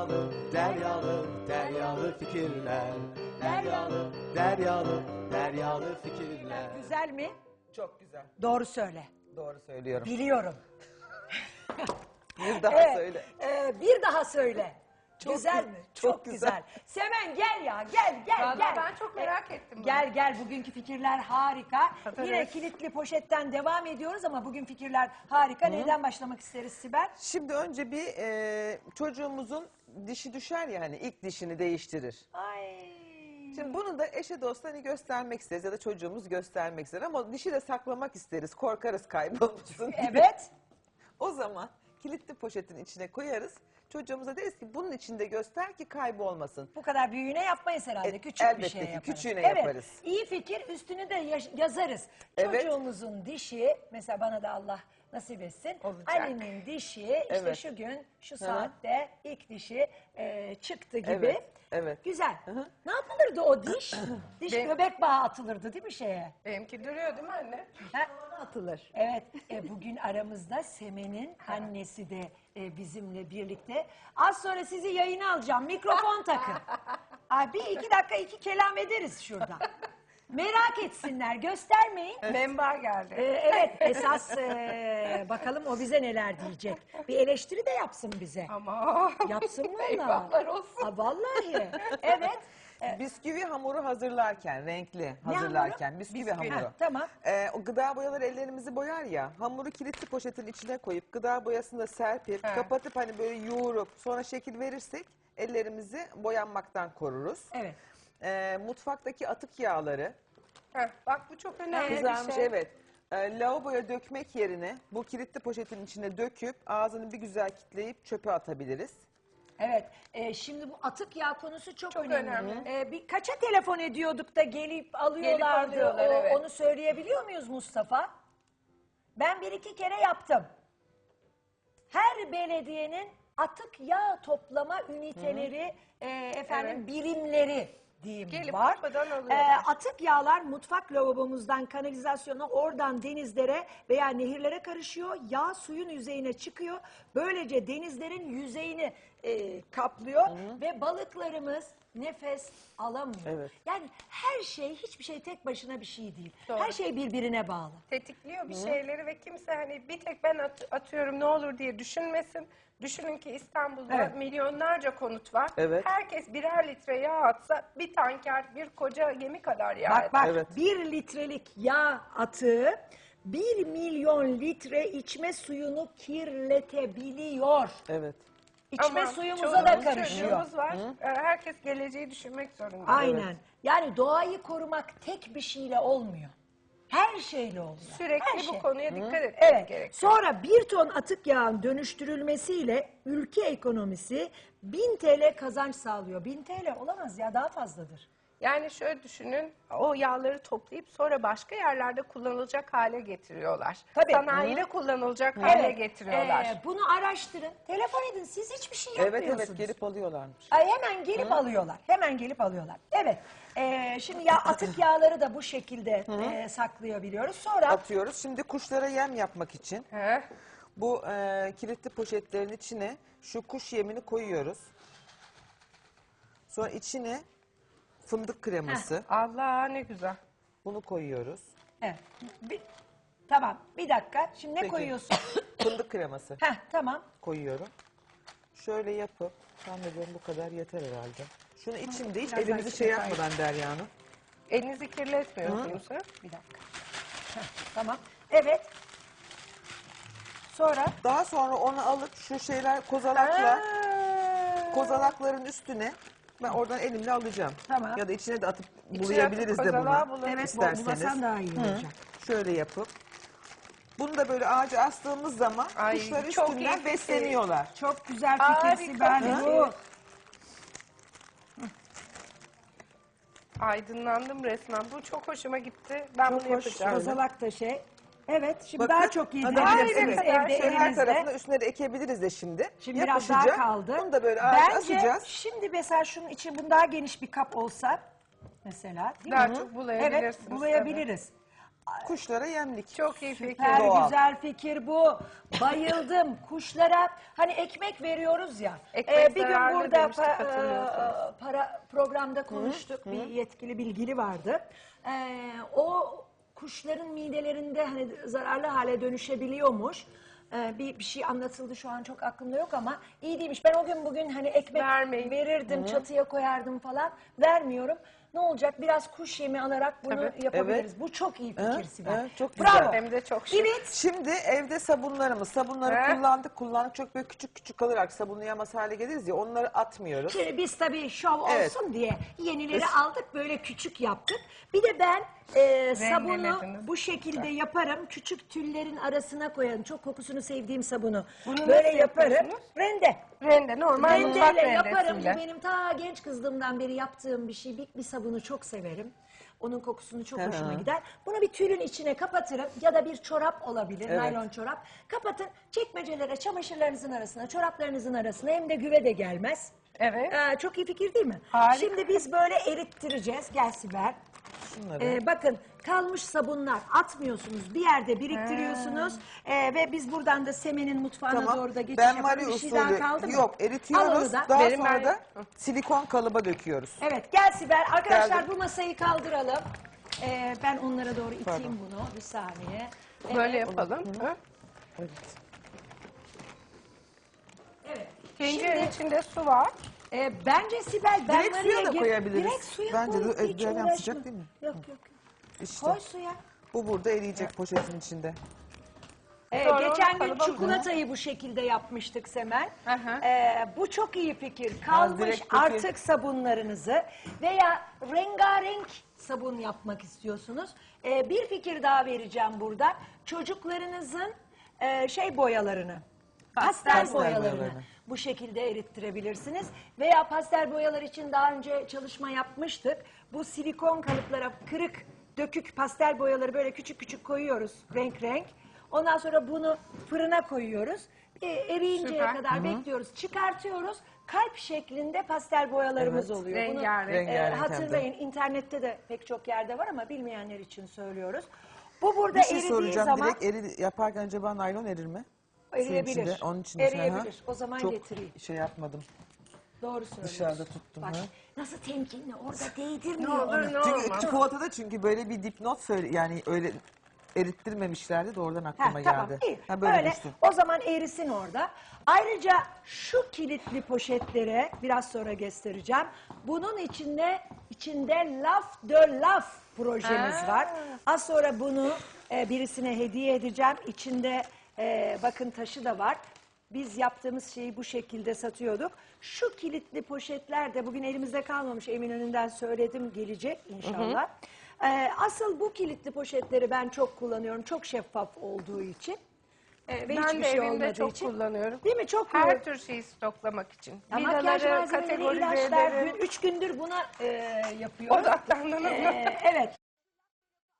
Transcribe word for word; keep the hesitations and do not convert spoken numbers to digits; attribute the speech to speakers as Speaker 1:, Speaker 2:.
Speaker 1: Deryalı, deryalı, deryalı fikirler. Deryalı, deryalı, deryalı fikirler.
Speaker 2: Güzel mi?
Speaker 3: Çok güzel.
Speaker 2: Doğru söyle.
Speaker 3: Doğru söylüyorum.
Speaker 2: Biliyorum.
Speaker 3: Bir daha
Speaker 2: Evet,
Speaker 3: söyle.
Speaker 2: e, bir daha söyle.
Speaker 3: Çok
Speaker 2: güzel
Speaker 3: gü-
Speaker 2: mi?
Speaker 3: çok güzel.
Speaker 2: Semen gel ya gel gel
Speaker 4: Vallahi
Speaker 2: gel.
Speaker 4: ben çok merak ettim bunu.
Speaker 2: Gel gel bugünkü fikirler harika.
Speaker 4: Tabii.
Speaker 2: Yine kilitli poşetten devam ediyoruz ama bugün fikirler harika. Neyden başlamak isteriz Sibel?
Speaker 3: Şimdi önce bir e, çocuğumuzun dişi düşer ya hani ilk dişini değiştirir.
Speaker 2: Ay.
Speaker 3: Şimdi bunu da eşe dosta hani göstermek isteriz ya da çocuğumuz göstermek ister ama dişi de saklamak isteriz. Korkarız kaybolmasın diye.
Speaker 2: Evet.
Speaker 3: O zaman kilitli poşetin içine koyarız. Çocuğumuza deriz ki bunun içinde göster ki kaybolmasın.
Speaker 2: Bu kadar büyüğüne yapmayız herhalde.
Speaker 3: E,
Speaker 2: Küçük bir
Speaker 3: elbette
Speaker 2: şey
Speaker 3: ki,
Speaker 2: yaparız.
Speaker 3: küçüğüne
Speaker 2: evet,
Speaker 3: yaparız.
Speaker 2: İyi fikir, üstünü de yaş- yazarız.
Speaker 3: Evet.
Speaker 2: Çocuğumuzun dişi, mesela bana da Allah nasip etsin.
Speaker 4: Olacak.
Speaker 2: Ali'nin dişi işte
Speaker 3: Evet.
Speaker 2: şu gün şu
Speaker 3: hı.
Speaker 2: saatte ilk dişi e, çıktı gibi.
Speaker 3: Evet, evet.
Speaker 2: Güzel.
Speaker 3: hı.
Speaker 2: Ne yapılırdı o diş? Diş
Speaker 4: Ben-
Speaker 2: göbek bağı atılırdı değil mi şeye?
Speaker 4: Benimki duruyor değil mi anne?
Speaker 2: Ha?
Speaker 3: Atılır.
Speaker 2: Evet, e, bugün aramızda Semen'in annesi de e, bizimle birlikte. Az sonra sizi yayına alacağım, mikrofon takın. Ay, bir iki dakika iki kelam ederiz şurada. Merak etsinler, göstermeyin.
Speaker 4: Memba geldi.
Speaker 2: E, evet, esas e, bakalım o bize neler diyecek. Bir eleştiri de yapsın bize.
Speaker 4: Ama
Speaker 2: Yapsın valla.
Speaker 4: eyvahlar olsun.
Speaker 2: Ha, vallahi, evet.
Speaker 3: Bisküvi hamuru hazırlarken, renkli hazırlarken, bisküvi,
Speaker 4: Bisküvi.
Speaker 3: hamuru.
Speaker 2: Ha, tamam.
Speaker 3: Ee, o gıda boyaları ellerimizi boyar ya, hamuru kilitli poşetin içine koyup gıda boyasını da serpip,
Speaker 4: He.
Speaker 3: kapatıp hani böyle yoğurup sonra şekil verirsek ellerimizi boyanmaktan koruruz.
Speaker 2: Evet.
Speaker 3: Ee, mutfaktaki atık yağları,
Speaker 4: Heh, bak bu çok önemli
Speaker 3: kızarmış
Speaker 4: bir şey.
Speaker 3: evet, e, lavaboya dökmek yerine bu kilitli poşetin içine döküp ağzını bir güzel kitleyip çöpe atabiliriz.
Speaker 2: Evet, e, şimdi bu atık yağ konusu çok,
Speaker 4: Çok
Speaker 2: önemli.
Speaker 4: önemli.
Speaker 2: E, bir kaça telefon ediyorduk da gelip alıyorlardı.
Speaker 4: alıyorlar,
Speaker 2: O-
Speaker 4: evet.
Speaker 2: Onu söyleyebiliyor muyuz Mustafa? Ben bir iki kere yaptım. Her belediyenin atık yağ toplama üniteleri, e, efendim
Speaker 4: Evet.
Speaker 2: birimleri diyeyim
Speaker 4: Gelip
Speaker 2: var.
Speaker 4: kapıdan
Speaker 2: E,
Speaker 4: alıyorlar.
Speaker 2: atık yağlar mutfak lavabomuzdan kanalizasyona, oradan denizlere veya nehirlere karışıyor. Yağ suyun yüzeyine çıkıyor. Böylece denizlerin yüzeyini e, kaplıyor ve balıklarımız nefes alamıyor.
Speaker 3: Evet.
Speaker 2: Yani her şey, hiçbir şey tek başına bir şey değil.
Speaker 4: Doğru.
Speaker 2: Her şey birbirine bağlı.
Speaker 4: Tetikliyor bir şeyleri ve kimse hani bir tek ben at- atıyorum ne olur diye düşünmesin. Düşünün ki İstanbul'da
Speaker 2: Evet.
Speaker 4: milyonlarca konut var.
Speaker 3: Evet.
Speaker 4: Herkes birer litre yağ atsa bir tanker, bir koca gemi kadar yağ
Speaker 2: Bak
Speaker 4: eder.
Speaker 2: bak,
Speaker 3: Evet.
Speaker 2: bir litrelik yağ atığı bir milyon litre içme suyunu kirletebiliyor.
Speaker 3: Evet.
Speaker 2: İçme
Speaker 4: Ama
Speaker 2: suyumuza da
Speaker 4: çoluğumuz,
Speaker 2: karışıyor.
Speaker 4: çocuğumuz var. Ee, Herkes geleceği düşünmek zorunda.
Speaker 2: Aynen.
Speaker 3: Evet.
Speaker 2: Yani doğayı korumak tek bir şeyle olmuyor. Her şeyle oluyor.
Speaker 4: Sürekli
Speaker 2: Her
Speaker 4: bu
Speaker 2: şey.
Speaker 4: konuya dikkat etmemiz
Speaker 2: Evet.
Speaker 4: gerekiyor.
Speaker 2: Sonra bir ton atık yağın dönüştürülmesiyle ülke ekonomisi bin T L kazanç sağlıyor. bin T L olamaz ya, daha fazladır.
Speaker 4: Yani şöyle düşünün, o yağları toplayıp sonra başka yerlerde kullanılacak hale getiriyorlar.
Speaker 2: Tabii.
Speaker 4: Sanayide kullanılacak hale getiriyorlar.
Speaker 2: Ee, bunu araştırın. Telefon edin. Siz hiçbir şey
Speaker 3: Evet
Speaker 2: yapmıyorsunuz.
Speaker 3: evet gelip alıyorlarmış.
Speaker 2: Ay, hemen gelip alıyorlar. Hemen gelip alıyorlar. Evet. Ee, şimdi ya atık yağları da bu şekilde e, saklayabiliyoruz. Sonra
Speaker 3: Atıyoruz. Şimdi kuşlara yem yapmak için
Speaker 4: Heh.
Speaker 3: bu e, kilitli poşetlerin içine şu kuş yemini koyuyoruz. Sonra içine fındık kreması.
Speaker 4: Allah ne güzel.
Speaker 3: Bunu koyuyoruz.
Speaker 2: evet. Bir, tamam. Bir dakika. Şimdi ne
Speaker 3: Peki.
Speaker 2: koyuyorsun?
Speaker 3: Fındık kreması
Speaker 2: Heh, tamam.
Speaker 3: koyuyorum. Şöyle yapıp, zannediyorum bu kadar yeter herhalde. Şunu içinde hiç
Speaker 2: biraz
Speaker 3: elimizi
Speaker 2: daha
Speaker 3: şey
Speaker 2: içine
Speaker 3: yapmadan Derya Hanım.
Speaker 4: Elinizi kirletmiyorsunuz. ha?
Speaker 2: Bir dakika. Heh, tamam. Evet. Sonra
Speaker 3: Daha sonra onu alıp şu şeyler kozalakla,
Speaker 4: Aa,
Speaker 3: kozalakların üstüne ben oradan elimle alacağım.
Speaker 2: Tamam.
Speaker 3: Ya da içine de atıp
Speaker 4: İçine
Speaker 3: bulayabiliriz
Speaker 4: atıp
Speaker 3: de
Speaker 4: kozalağa
Speaker 3: bunu.
Speaker 4: bulayıp-
Speaker 2: evet,
Speaker 3: isterseniz.
Speaker 2: bulasan daha iyi olacak.
Speaker 3: Şöyle yapıp. Bunu da böyle ağaca astığımız zaman
Speaker 4: Ay,
Speaker 3: kuşlar
Speaker 4: çok iyi
Speaker 3: üstünden
Speaker 4: fikir.
Speaker 3: besleniyorlar.
Speaker 2: Çok güzel fikir
Speaker 4: Harika
Speaker 2: Sibel.
Speaker 4: fikir.
Speaker 2: Bu.
Speaker 4: Aydınlandım resmen. Bu çok hoşuma gitti. Ben
Speaker 2: Çok
Speaker 4: bunu
Speaker 2: hoş.
Speaker 4: yapacağım.
Speaker 2: Kozalak da şey. Evet, şimdi
Speaker 3: Bakın,
Speaker 2: daha çok
Speaker 3: hadi
Speaker 2: yedirebilirsiniz
Speaker 4: evet,
Speaker 2: evde
Speaker 3: Şöyle her
Speaker 2: elinizde.
Speaker 3: tarafına üstüne de ekebiliriz de şimdi.
Speaker 2: Şimdi biraz daha
Speaker 3: Yapışacak.
Speaker 2: kaldı.
Speaker 3: Bunu da böyle ağaca
Speaker 2: Bence
Speaker 3: asacağız.
Speaker 2: şimdi mesela şunun için bunun daha geniş bir kap olsa mesela, değil
Speaker 4: Daha
Speaker 2: mi?
Speaker 4: çok bulayabilirsiniz
Speaker 2: Evet, bulayabiliriz.
Speaker 3: Kuşlara yemlik.
Speaker 4: Çok iyi fikir.
Speaker 2: Süper
Speaker 3: Doğal.
Speaker 2: güzel fikir bu. Bayıldım. Kuşlara hani ekmek veriyoruz ya.
Speaker 4: Ekmek
Speaker 2: Ee, bir gün
Speaker 4: zararlı
Speaker 2: burada
Speaker 4: demiştik,
Speaker 2: pa-
Speaker 4: hatırlıyorsanız.
Speaker 2: e, para programda konuştuk. Bir yetkili bilgili vardı. Ee, o kuşların midelerinde hani zararlı hale dönüşebiliyormuş. Ee, bir, bir şey anlatıldı, şu an çok aklımda yok ama iyi değilmiş. Ben o gün bugün hani ekmek
Speaker 4: Vermeyin.
Speaker 2: verirdim, çatıya koyardım falan. Vermiyorum. Ne olacak? Biraz kuş yemi alarak bunu
Speaker 4: Tabii.
Speaker 2: yapabiliriz.
Speaker 3: Evet.
Speaker 2: Bu çok iyi fikir
Speaker 3: Evet,
Speaker 2: Sibel.
Speaker 3: evet, çok
Speaker 2: Bravo.
Speaker 3: güzel.
Speaker 4: Hem de çok şık.
Speaker 2: Evet.
Speaker 3: Şimdi evde sabunlarımız, sabunları
Speaker 4: He?
Speaker 3: kullandık, kullandık çok böyle küçük küçük kalarak sabunlayamaz hale geliriz ya, onları atmıyoruz.
Speaker 2: Şimdi biz tabii şov
Speaker 3: Evet.
Speaker 2: olsun diye yenileri
Speaker 3: Biz-
Speaker 2: aldık, böyle küçük yaptık. Bir de ben e, sabunu
Speaker 4: Rendelediniz.
Speaker 2: bu şekilde yaparım. Küçük tüllerin arasına koyarım. Çok kokusunu sevdiğim sabunu.
Speaker 4: Bunu
Speaker 2: böyle
Speaker 4: nasıl
Speaker 2: yaparım.
Speaker 4: yapıyorsunuz?
Speaker 2: Rende.
Speaker 4: Rende, normal mutfak
Speaker 2: Rendeyle yaparım. Bu
Speaker 4: rendesiyle.
Speaker 2: benim ta genç kızlığımdan beri yaptığım bir şey. Bir, bir sabunu çok severim. Onun kokusunu çok
Speaker 3: Hı hı.
Speaker 2: hoşuma gider. Bunu bir tülün içine kapatırım ya da bir çorap olabilir,
Speaker 3: Evet.
Speaker 2: naylon çorap. Kapatın, çekmecelere, çamaşırlarınızın arasına, çoraplarınızın arasına, hem de güve de gelmez.
Speaker 4: Evet.
Speaker 2: Ee, çok iyi fikir değil mi?
Speaker 4: Harika.
Speaker 2: Şimdi biz böyle erittireceğiz. Gel Sibel.
Speaker 3: Şunları.
Speaker 2: Ee, bakın kalmış sabunlar atmıyorsunuz. Bir yerde biriktiriyorsunuz. Ee, ve biz buradan da Semen'in mutfağına
Speaker 3: Tamam.
Speaker 2: doğru da geçiş
Speaker 3: Ben
Speaker 2: yapalım.
Speaker 3: Marie
Speaker 2: Bir şey daha
Speaker 3: usulü
Speaker 2: kaldı mı?
Speaker 3: yok,
Speaker 2: Al
Speaker 3: eritiyoruz.
Speaker 2: onu da.
Speaker 3: Daha
Speaker 4: Benim
Speaker 3: sonra
Speaker 4: ben-
Speaker 3: da silikon kalıba döküyoruz.
Speaker 2: Evet gel Sibel. Arkadaşlar
Speaker 3: Geldim.
Speaker 2: bu masayı kaldıralım. Ee, ben onlara doğru iteyim
Speaker 3: Pardon.
Speaker 2: bunu. Bir saniye. Evet.
Speaker 4: Böyle yapalım. Hı?
Speaker 3: Evet.
Speaker 2: Evet.
Speaker 4: Tencerenin
Speaker 2: Şimdi
Speaker 4: içinde su var.
Speaker 2: e, bence Sibel ben
Speaker 3: Direkt
Speaker 2: Maria'ya
Speaker 3: suya da
Speaker 2: gir-
Speaker 3: koyabiliriz.
Speaker 2: Direkt suya
Speaker 3: Bence
Speaker 2: koy.
Speaker 3: de
Speaker 2: Hiç
Speaker 3: ezberden
Speaker 2: uğraşma.
Speaker 3: sıcak değil mi?
Speaker 2: Yok yok. yok.
Speaker 3: İşte
Speaker 2: Koy suya.
Speaker 3: bu burada eriyecek poşetin içinde.
Speaker 2: Ee,
Speaker 4: Sonra
Speaker 2: geçen
Speaker 4: onu
Speaker 2: gün
Speaker 4: kalıba
Speaker 2: çikolatayı bu şekilde yapmıştık Semen.
Speaker 4: Aha.
Speaker 2: Ee, bu çok iyi fikir. Kalmış
Speaker 3: direkt peki-
Speaker 2: artık sabunlarınızı veya rengarenk sabun yapmak istiyorsunuz. Ee, bir fikir daha vereceğim burada. Çocuklarınızın e, şey boyalarını, pastel,
Speaker 3: Pastel
Speaker 2: boyalarını,
Speaker 3: boyalarını.
Speaker 2: bu şekilde erittirebilirsiniz. Veya pastel boyalar için daha önce çalışma yapmıştık. Bu silikon kalıplara kırık, dökük pastel boyaları böyle küçük küçük koyuyoruz renk renk. Ondan sonra bunu fırına koyuyoruz. E, eriyinceye
Speaker 4: Süper.
Speaker 2: kadar bekliyoruz. Çıkartıyoruz. Kalp şeklinde pastel boyalarımız
Speaker 3: Evet.
Speaker 2: oluyor. Bunu
Speaker 4: Rengarenk.
Speaker 2: e,
Speaker 3: Rengarenk hem de.
Speaker 2: hatırlayın. İnternette de pek çok yerde var ama bilmeyenler için söylüyoruz. Bu burada
Speaker 3: Bir şey
Speaker 2: eridiği
Speaker 3: soracağım,
Speaker 2: zaman
Speaker 3: direkt eri, yaparken acaba naylon erir mi? Suyun
Speaker 2: eriyebilir.
Speaker 3: içinde, onun için
Speaker 2: Eriyebilir. O zaman
Speaker 3: Çok
Speaker 2: getireyim.
Speaker 3: şey yapmadım.
Speaker 2: Doğru söylüyorsun.
Speaker 3: Dışarıda tuttum,
Speaker 2: Bak
Speaker 3: ha.
Speaker 2: nasıl temkinli orada
Speaker 4: Ne
Speaker 2: değdirmiyor
Speaker 4: olur
Speaker 2: onu.
Speaker 4: ne
Speaker 3: Çünkü
Speaker 4: olmaz.
Speaker 3: çikolatada çünkü böyle bir dipnot söyle, yani öyle erittirmemişlerdi de oradan aklıma
Speaker 2: Ha,
Speaker 3: geldi.
Speaker 2: tamam iyi.
Speaker 3: Ha, böyle
Speaker 2: Öyle
Speaker 3: düştü.
Speaker 2: o zaman erisin orada. Ayrıca şu kilitli poşetlere biraz sonra göstereceğim. Bunun içinde içinde Laf de Laf projemiz
Speaker 4: Ha.
Speaker 2: var. Az sonra bunu e, birisine hediye edeceğim. İçinde e, bakın taşı da var. Biz yaptığımız şeyi bu şekilde satıyorduk. Şu kilitli poşetler de bugün elimizde kalmamış. Eminönü'nden söyledim, gelecek inşallah. Ee, asıl bu kilitli poşetleri ben çok kullanıyorum. Çok şeffaf olduğu için. Ee, ve
Speaker 4: Ben
Speaker 2: hiçbir
Speaker 4: de
Speaker 2: şey
Speaker 4: evimde
Speaker 2: olmadığı
Speaker 4: çok
Speaker 2: için.
Speaker 4: kullanıyorum.
Speaker 2: Değil mi? Çok
Speaker 4: Her
Speaker 2: kullan-
Speaker 4: tür şeyi stoklamak için.
Speaker 2: Ya makyaj
Speaker 4: Vidaları
Speaker 2: malzemeleri,
Speaker 4: kategorize
Speaker 2: ilaçlar.
Speaker 4: ederim.
Speaker 2: Gün, üç gündür buna e, yapıyorum.
Speaker 4: Odaklandınız mı?
Speaker 2: Ee, evet.